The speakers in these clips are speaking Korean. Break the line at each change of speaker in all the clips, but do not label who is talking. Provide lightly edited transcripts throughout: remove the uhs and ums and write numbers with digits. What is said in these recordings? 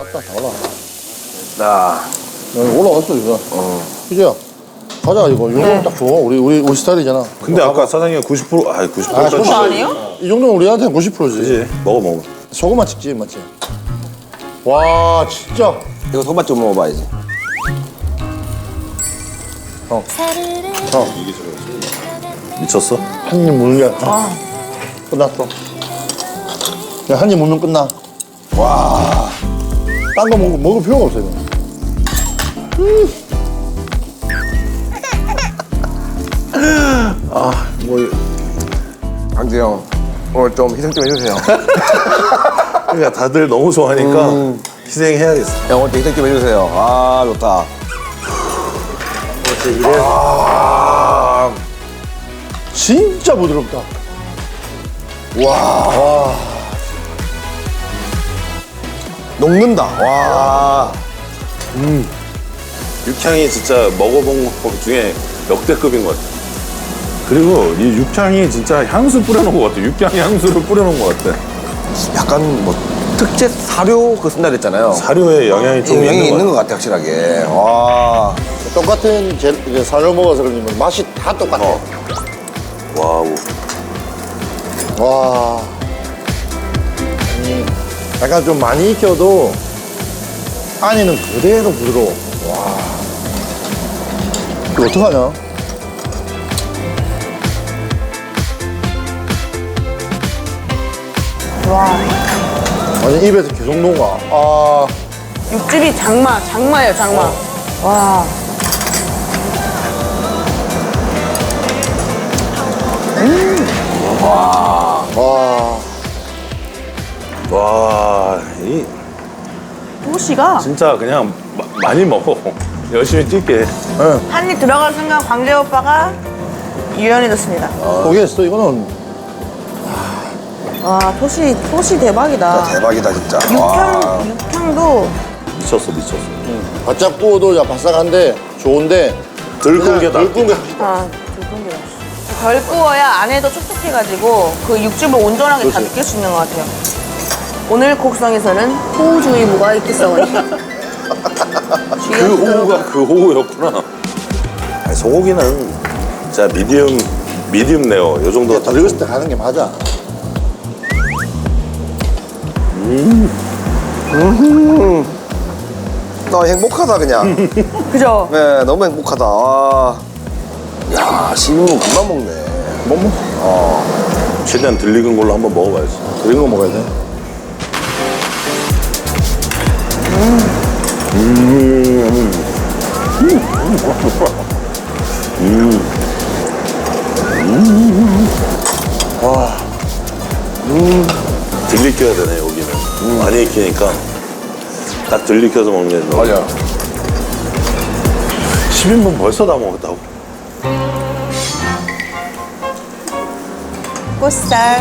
다 올라.
나.
여기 올라갔어 이거. 그죠? 가자 이거. 이 정도면 딱 좋아. 우리 스타일이잖아.
근데 아까 사장님이 90%, 90%.
아,
그거 아니에요?
이 정도면 우리한테는 90%지.
그지? 먹어.
소금만 찍지 맞지? 와 진짜.
이거 소맛 좀 먹어봐야지.
미쳤어?
한 입 무는 게 끝났어. 그냥 한 입 무면 끝나. 와. 딴 거 먹을 필요가 없어 이거.
강재 형, 오늘 좀 희생 좀 해주세요.
그러니까 다들 너무 좋아하니까 희생해야겠어.
형, 오늘 좀 희생 좀 해주세요. 아, 좋다.
진짜 부드럽다.
녹는다. 와.
육향이 진짜 먹어본 것 중에 역대급인 것 같아. 그리고 이 육향이 진짜 향수 뿌려놓은 것 같아. 육향 향수를 뿌려놓은 것 같아.
약간 뭐 특제 사료 그 쓴다 그랬잖아요.
사료에 영향이 좀
영향이 있는
것
것 같아, 확실하게. 와.
똑같은 이제 사료 먹어서 그런지 맛이 다 똑같아.
같아. 와우.
와. 약간 좀 많이 익혀도 안에는 그대로 부드러워. 와. 이거 어떡하냐?
와.
아니, 입에서 계속 녹아. 아.
육즙이 장마예요, 장마. 와.
와.
와, 이
토시가
진짜 그냥 많이 먹어. 열심히 뛸게.
한 입 들어갈 순간 광재 오빠가 유연해졌습니다.
포기했어, 이거는.
와, 토시 대박이다.
대박이다, 진짜. 와.
육향도
미쳤어.
바짝 구워도 야, 바삭한데 좋은데.
덜 끈 게
덜 끈 게.
굵은 게 맛있어. 덜 구워야 안에도 촉촉해가지고 그 육즙을 온전하게 다 느낄 수 있는 것 같아요. 오늘 곡성에서는 호우 중에 뭐가 있겠어니?
그 호우가 그 호우였구나. 아니, 소고기는 진짜 미디움 레어 요 정도
덜 익었을 때 가는 게 맞아.
나 행복하다, 그냥.
그죠?
네, 너무 행복하다. 와. 야, 씹으면 금방 먹네.
최대한 덜 익은 걸로 한번 먹어봐야지.
덜 익은 거 먹어야 돼.
덜 익혀야 되네 여기는. 많이 익히니까 딱 덜 익혀서 먹는 게 좋아.
맞아.
10인분 벌써 다 먹었다고.
꽃살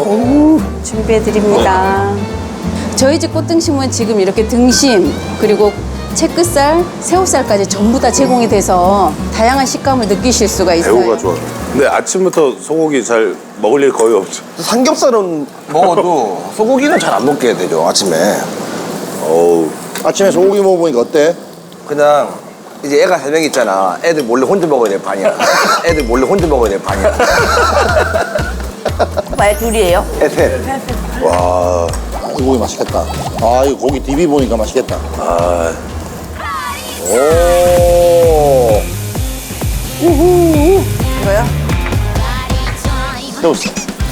준비해드립니다. 저희 집 꽃등심은 지금 이렇게 등심 그리고 채끝살, 새우살까지 전부 다 제공이 돼서 다양한 식감을 느끼실 수가 있어요.
배우가 좋아. 근데 아침부터 소고기 잘 먹을 일 거의 없죠.
삼겹살은 먹어도 소고기는 잘 안 먹게 되죠, 아침에.
어우.
아침에 소고기 먹어보니까 어때?
그냥 이제 애가 3명 있잖아. 애들 몰래 혼자 먹어야 될 판이야. 애들 몰래 혼자 먹어야 될 판이야.
왜 둘이에요?
애 셋.
와.
이 고기 맛있겠다. 아, 이거 고기 DB 보니까 맛있겠다.
아.
오.
이거요?
새우살.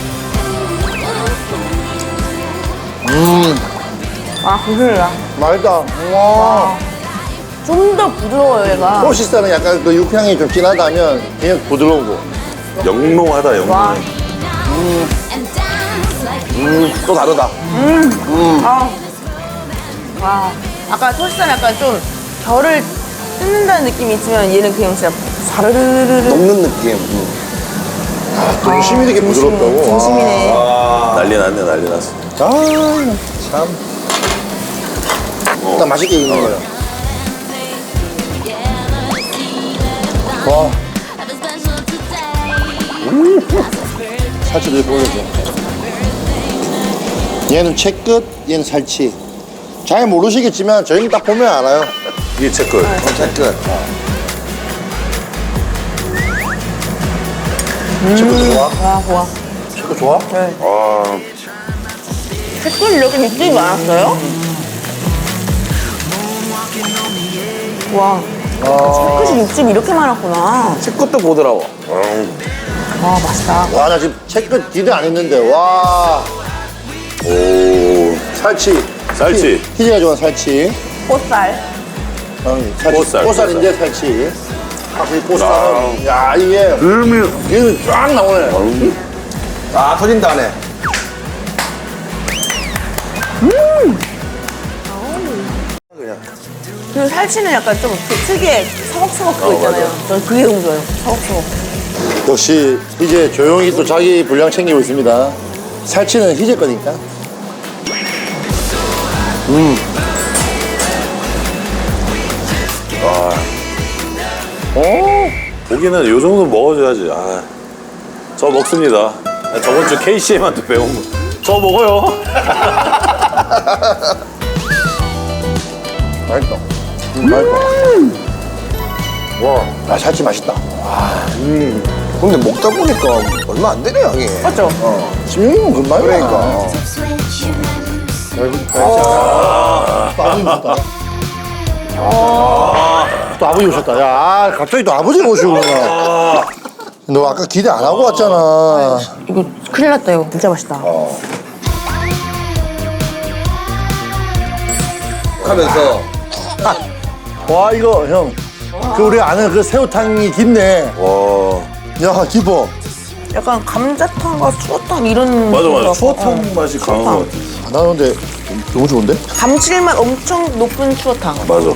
아, 부드러워.
맛있다. 와.
좀 더 부드러워요, 얘가.
소시살은 약간 그 육향이 좀 진하다면 그냥 부드러우고.
영롱하다 영롱.
와.
또 다르다.
와. 아까 토시살 약간 좀 결을 뜯는다는 느낌이 있으면 얘는 그냥 진짜 사르르르르.
녹는 느낌.
등심이 되게 부드럽다고.
등심이네.
난리 났네 난리 났어.
아, 참. 일단 맛있게 익는 거야. 와. 살치도 이렇게 올려줘. 얘는 채끝, 얘는 살치. 잘 모르시겠지만 저희는 딱 보면 알아요.
이게 제 거예요.
채끝.
채끝 좋아?
와, 좋아.
채끝 좋아?
네.
아,
채끝 이렇게 육즙이 많았어요? 와, 채끝이 육즙이 이렇게 많았구나.
채끝도 보더라고.
와, 맛있다.
와, 나 지금 채끝 기대 안 했는데, 와.
오,
살치.
살치.
희재가 좋아하는 살치.
꽃살.
살치.
꽃살,
꽃살인데 살치. 확실히 꽃살은. 야, 이게. 이게 쫙 나오네.
아, 터진다, 안에.
그 살치는 약간 좀 특유의 서걱서걱 그거 있잖아요. 전 그게 너무 좋아요. 서걱서걱.
역시 희재 조용히 또 자기 분량 챙기고 있습니다. 살치는 희재 거니까.
고기는 요 정도 먹어줘야지. 아, 저 먹습니다. 저번 주 KCM한테 배운 거. 저 먹어요.
맛있다. 맛있다. 와, 아, 살치 맛있다.
근데 먹다 보니까 얼마 안 되네, 양이.
맞죠?
16년 금방
그러니까.
또 아버지 오셨다. 또 아버지 오셨다. 야, 아, 갑자기 또 아버지가 오시구나. 너 아까 기대 안 하고 왔잖아.
이거 큰일 났다, 이거. 진짜 맛있다.
하면서
와, 이거 형. 그 우리 아는 그 새우탕이 깊네.
와,
야, 깊어.
약간 감자탕과 추어탕 이런.
맞아, 맞아.
거 같고.
추어탕 맛이 강한 것 같아.
아, 나 근데 너무 좋은데?
감칠맛 엄청 높은 추어탕.
맞아.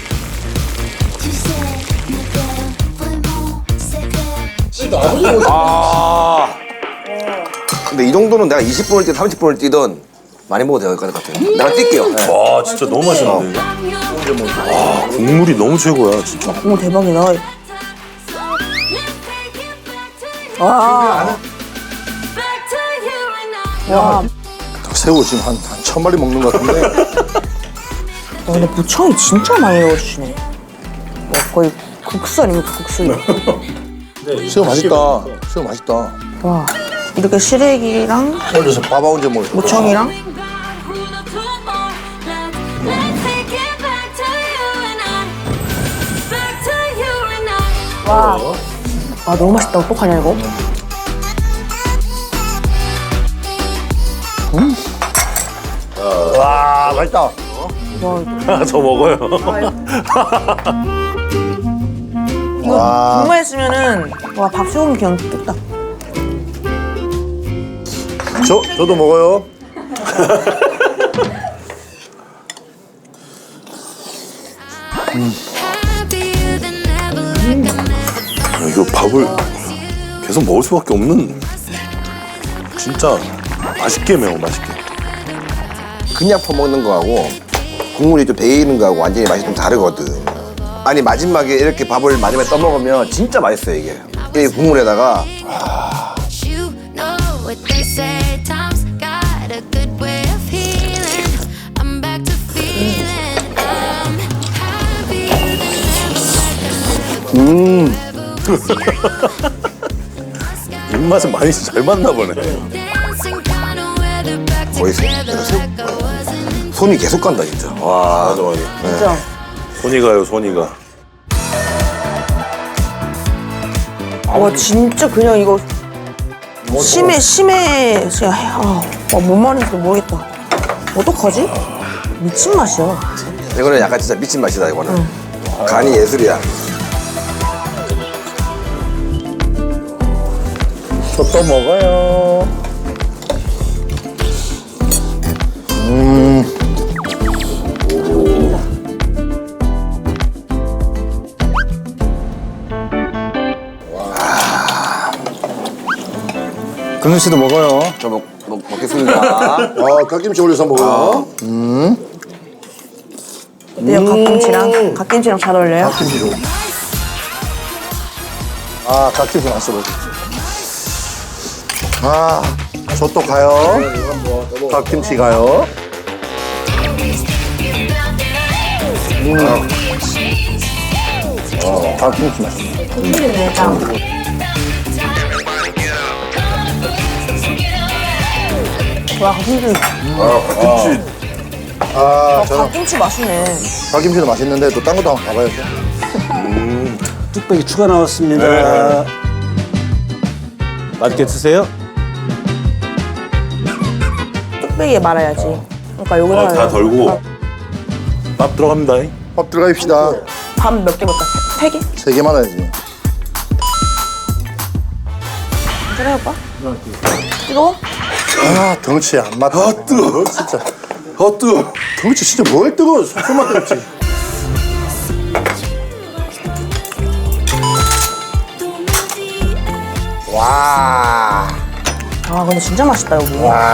아,
근데 이 정도는 내가 20분을 뛰든 30분을 뛰든 많이 먹어도 될 것 같아요. 내가 뛸게요. 네.
와, 진짜 너무 맛있는데. 아, 국물이 너무 최고야, 진짜.
오, 대박이다. 와. 와.
새우 지금 한 1000마리 먹는 것 같은데.
와, 근데 무청이 진짜 많이 넣어주시네. 와, 거의 국수아닙니까, 국수.
새우 맛있다. 새우 맛있다.
와. 이렇게 시래기랑
올려서 밥 언제 먹을 거야?
무청이랑 와. 아, 너무 맛있다. 어떡하냐, 이거?
와, 맛있다.
저 먹어요.
이거
와.
국물 했으면은, 와, 밥소금 그냥 뚝딱.
저도 먹어요.
이거 밥을 계속 먹을 수밖에 없는. 진짜 맛있게 매워, 맛있게.
그냥 퍼먹는 거하고 국물이 좀 배이는 거하고 완전히 맛이 좀 다르거든. 아니 마지막에 이렇게 밥을 마지막에 떠먹으면 진짜 맛있어요 이게. 이 국물에다가
You know what they say, time's got a good way of healing. I'm back to feeling I'm happier than
입맛은 많이 잘 맞나 보네.
dancing kind of weather back
거의
together like I wasn't.
손이 계속 간다 진짜. 와.
맞아, 맞아.
진짜.
손이 가요, 손이 가.
와, 진짜 그냥 이거 심해. 진짜, 뭔 말인지 모르겠다. 어떡하지? 미친 맛이야.
이거는 약간 진짜 미친 맛이다 이거는. 간이 예술이야.
저 또 먹어요.
근우 씨도 먹어요. 저 먹겠습니다.
아, 갓김치 올려서 먹어요.
근데 갓김치랑 잘 어울려요?
갓김치 좋아. 아, 갓김치 맛있어 보지. 아, 저 또 가요. 갓김치 가요. 닭김치 맛있네.
와, 닭김치.
닭김치.
저는
닭김치 맛있네.
닭김치도 맛있는데 또 딴 것도 한번 가봐야죠.
뚝배기 추가 나왔습니다.
네.
맛있게 드세요.
뚝배기에 말아야지. 그러니까 여기다
다 덜고 밥 들어갑니다.
밥 들어갑시다.
밥 몇 개 먹까? 3개?
3개 말아야지.
그래 오빠? 뜨거워?
아, 덩치 안 맞다. 아, 뜨거워. 진짜.
뜨거.
덩치 진짜 뭘 뜨거워. 손만 뜨겁지.
와.
아 근데 진짜 맛있다 여기.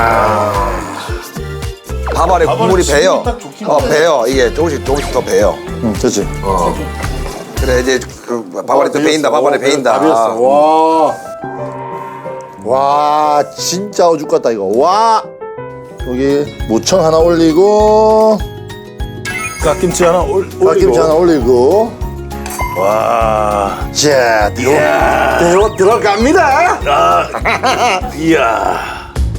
밥 안에 국물이 배요. 배요. 이게 조금씩 더 배요.
응, 됐지.
그래 이제 밥 안에 또 배인다. 밥 안에 배인다.
밥이었어. 와. 와, 진짜 어죽 같다, 이거. 와. 여기 무청 하나 올리고,
갓김치 하나 올리고.
닭김치 하나 올리고.
와.
자, 들어갑니다.
이야.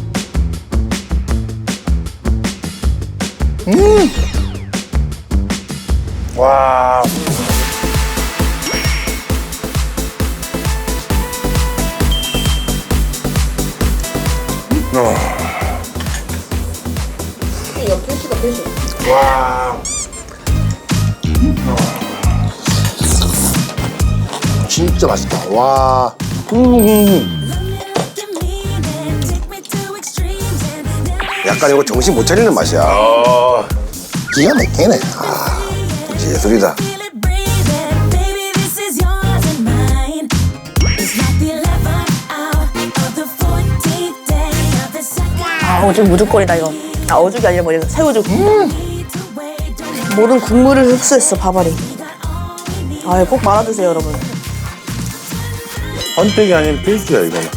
와. 와. 진짜 맛있다. 와.
약간 이거 정신 못 차리는 맛이야.
기가 막히네.
이제 예술이다.
아 오죽 무죽거리다 이거. 아 어죽이 아니라 뭐냐 새우죽. 모든 국물을 흡수했어 밥알이. 아 꼭 말아 드세요 여러분.
헌택이 아닌 필수야 이거는.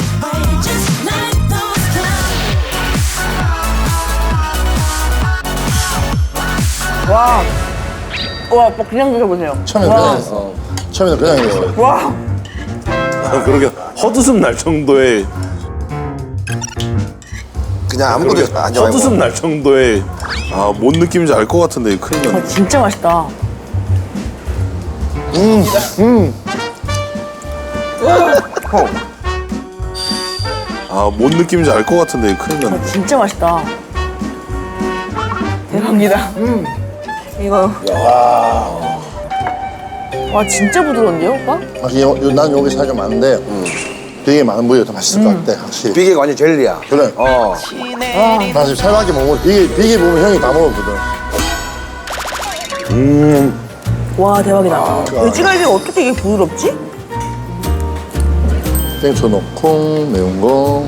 와. 와 오빠 그냥 드셔보세요.
처음에는 그냥 했어. 처음에는 그냥 했어.
와.
그렇게 헛웃음 날 정도의
그냥 아무것도 안 좋아하고.
헛웃음 날 정도의 뭔 느낌인지 알 것 같은데 이거 큰일 났네.
진짜 맛있다.
뭔 느낌인지 알 것 같은데 이거 큰일 났네.
진짜 맛있다. 대박이다. 이거. 와 진짜 부드러운데요 오빠?
난 여기 살이 좀 많은데, 되게 많은 부위가 더 맛있을 것 같아, 확실히.
비계가 완전 젤리야.
그래. 나 지금 살밖에 못 먹어. 비계 보면 형이 다 먹었거든.
와 대박이다. 돼지갈비가 어떻게 이게 부드럽지?
땡초 넣고, 매운 거.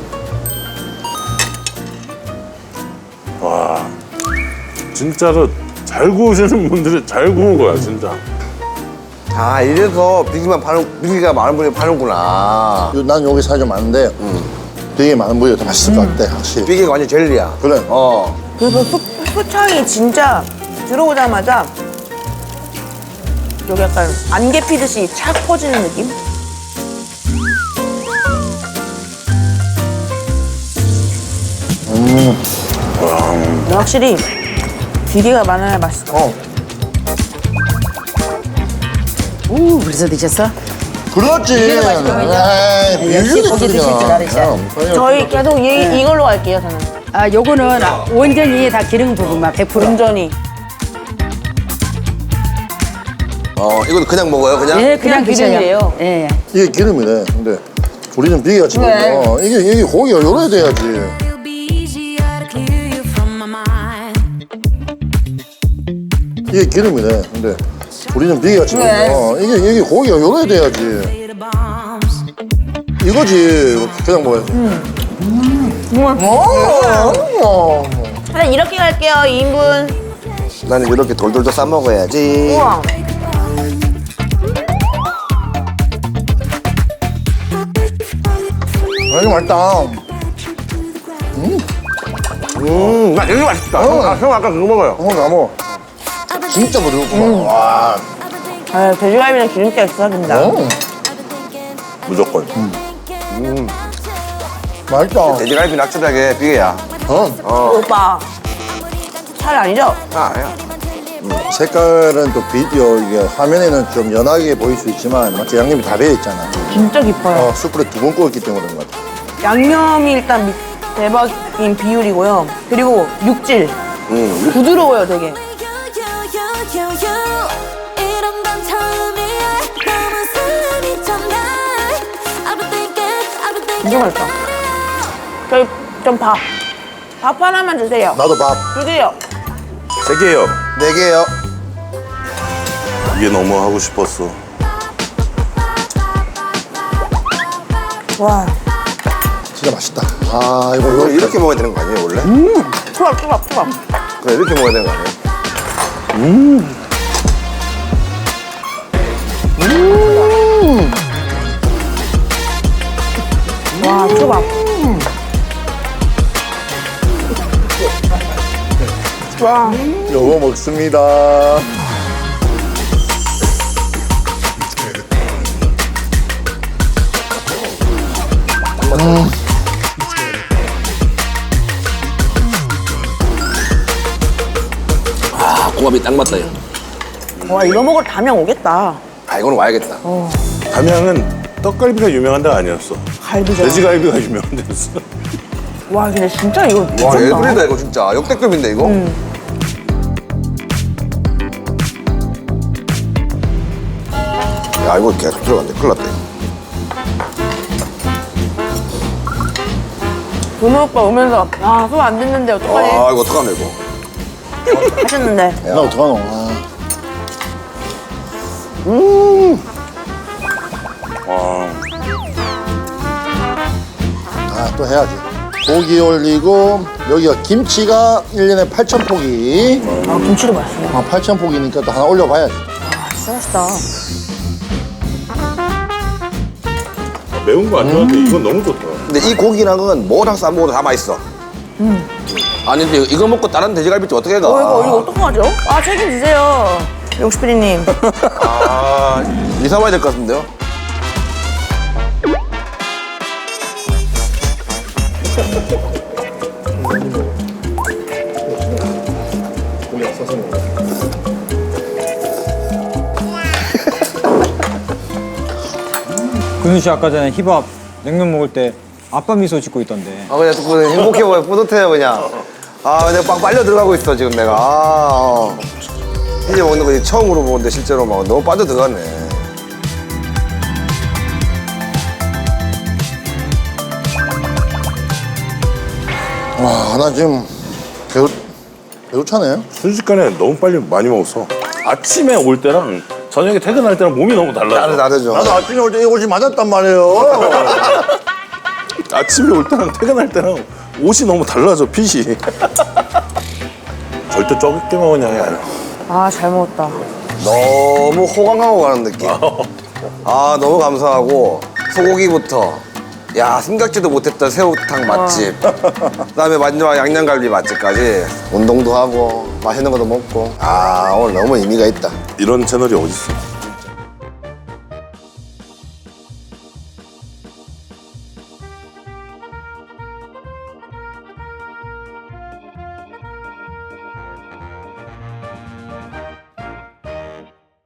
진짜로 잘 구우시는 분들이 잘 구운 거야 진짜.
이래서 비계가 많은 분이 파는구나.
난 여기 살이 좀 많은데, 되게 많은 부위가 더 맛있을 것 같아, 확실히.
비계가 완전 젤리야.
그래.
그래서 소창이 진짜 들어오자마자 여기 약간 안개 피듯이 착 퍼지는 느낌? 근데 확실히 비계가 많아야 맛있어.
오, 벌써 드셨어?
그렇지.
역시 고기 드실 줄 알으셔.
저희 계속 이걸로 갈게요 저는.
아, 요거는 온전히 다 기름 부분만 100%.
온전히.
이것도 그냥 먹어요, 그냥?
예, 그냥 드셔요.
기름이에요.
예.
이게 기름이네. 근데 우리는 비계가 지금
네.
이게 고기가 요래야 돼야지.
It'll be easier to clear you from my mind.
이게 기름이네. 근데 우리는 비계가 지금 이게 고기가 요래야 돼야지.
Lay the bombs.
이거지. 그냥 먹어야지.
그냥 이렇게 갈게요 2인분.
나는 이렇게 돌돌도 싸 먹어야지.
우와.
이거 맛있다.
나 되게 맛있다. 형 아까 그거 먹어요.
나 먹어. 진짜 부드럽구만. 와.
아, 돼지갈비는 기름기가 있어야 된다.
무조건.
맛있다.
돼지갈비 낙지닭에 비계야.
오빠, 살 아니죠?
아, 아니야.
색깔은 또 비디오 이게 화면에는 좀 연하게 보일 수 있지만 마치 양념이 다 배어 있잖아.
진짜 깊어요.
숯불에 2번 구웠기 때문에 그런 것 같아.
양념이 일단 대박인 비율이고요. 그리고 육질. 부드러워요, 되게.
이런 건 처음이야. 너무 스리잖아. I've been thinking, I've been thinking.
진짜 맛있다. 저희 좀 밥. 밥 하나만 주세요.
나도 밥
주세요.
3개요.
4개요.
이게 너무 하고 싶었어.
와,
진짜 맛있다. 아,
이거
이거
이렇게 먹어야 되는 거 아니에요, 원래?
초밥.
그래, 이렇게 먹어야 되는 거 아니에요?
와, 초밥. 와,
요거 먹습니다.
아, 궁합이 딱 맞다, 이거.
와, 이거 먹으러 담양 오겠다.
아, 이거는 와야겠다.
담양은 떡갈비가 유명한 데가 아니었어.
갈비죠.
돼지갈비가 유명한 데였어.
와, 근데 진짜 이거
와,
미쳤다.
예술이다, 이거 진짜. 역대급인데, 이거? 야, 이거 계속 들어간대. 큰일 났다, 이거.
준호 오빠 오면서 아, 소화 안 됐는데 어떡하지?
아, 이거 어떡하냐, 이거.
하셨는데.
나 어떡하노? 아.
와.
아, 또 해야지. 고기 올리고 여기가 김치가 1년에 8,000포기.
아, 김치도 맛있어요.
아, 8,000포기니까 또 하나 올려봐야지.
아, 진짜 맛있다.
매운 거 안 좋아하는데 이건 너무 좋다.
근데 이 고기랑은 뭐랑 싸먹어도 다 맛있어. 아니, 근데 이거 먹고 다른 돼지갈비집 어떻게 가?
이거 어떡하죠? 아, 책임지세요. 용식PD님.
아, 이사 와야 될 것 같은데요?
근우 씨 아까 전에 힙합 냉면 먹을 때 아빠 미소 짓고 있던데.
아, 그냥 또 행복해 보여. 뿌듯해요, 그냥. 아, 내가 막 빨려 들어가고 있어, 지금 내가. 이제 먹는 거 처음으로 보는데 실제로 막 너무 빠져 들어갔네.
와, 나 지금 배고차네.
순식간에 너무 빨리 많이 먹었어. 아침에 올 때랑 저녁에 퇴근할 때랑 몸이 너무 달라져.
다르죠.
나도 아침에 올 때 이 옷이 맞았단 말이에요.
아침에 올 때랑 퇴근할 때랑 옷이 너무 달라져, 핏이. 절대 적게 먹은 양이 아니야.
아, 잘 먹었다.
너무 호강하고 가는 느낌. 아, 너무 감사하고 소고기부터 야, 생각지도 못했던 새우탕 맛집. 그다음에 마지막 양념갈비 맛집까지 운동도 하고 맛있는 것도 먹고. 아, 오늘 너무 의미가 있다.
이런 채널이 어딨어.